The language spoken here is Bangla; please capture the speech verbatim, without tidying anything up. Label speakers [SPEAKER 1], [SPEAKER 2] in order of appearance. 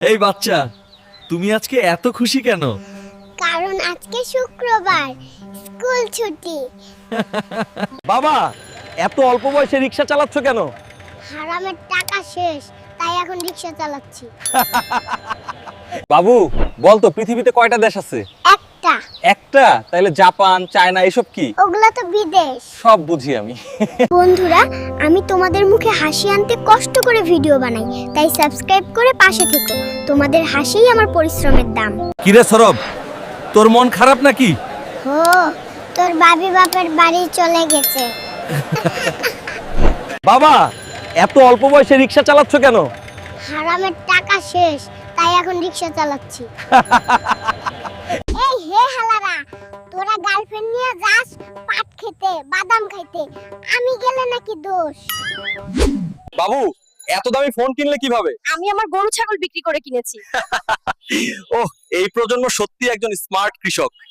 [SPEAKER 1] এই বাচ্চা, তুমি আজকে এত খুশি কেন?
[SPEAKER 2] কারণ আজকে শুক্রবার, স্কুল ছুটি।
[SPEAKER 3] বাবা, এত অল্প বয়সে রিক্সা চালাচ্ছ কেন?
[SPEAKER 2] হারামের টাকা শেষ, তাই এখন রিকশা চালাচ্ছি।
[SPEAKER 3] বাবু, বল তো পৃথিবীতে কয়টা দেশ আছে?
[SPEAKER 2] একটা।
[SPEAKER 3] একটা? তাহলে জাপান, চায়না এসব কি?
[SPEAKER 2] ওগুলা তো বিদেশ।
[SPEAKER 3] সব বুঝি আমি।
[SPEAKER 2] বন্ধুরা, আমি তোমাদের মুখে হাসি আনতে কষ্ট করে ভিডিও বানাই, তাই সাবস্ক্রাইব করে পাশে থেকো। তোমাদের হাসিই আমার পরিশ্রমের দাম।
[SPEAKER 1] কিরে সরব, তোর মন খারাপ নাকি?
[SPEAKER 2] হো, তোর বাবি বাপের বাড়ি চলে গেছে।
[SPEAKER 3] বাবা, এত অল্প বয়সে রিক্সা চালাচ্ছ কেন?
[SPEAKER 2] হারামের টাকা শেষ, তাই এখন রিকশা চালাচ্ছি। এই হে হালারা, তোরা গার্লফ্রেন্ড নিয়ে যাস পাট খেতে, বাদাম খাইতে, আমি গেলে নাকি দোষ?
[SPEAKER 3] বাবু, এত দামি ফোন কিনলে কিভাবে?
[SPEAKER 4] আমি আমার গরু ছাগল বিক্রি করে কিনেছি।
[SPEAKER 3] ওহ, এই প্রজন্ম সত্যি একজন স্মার্ট কৃষক।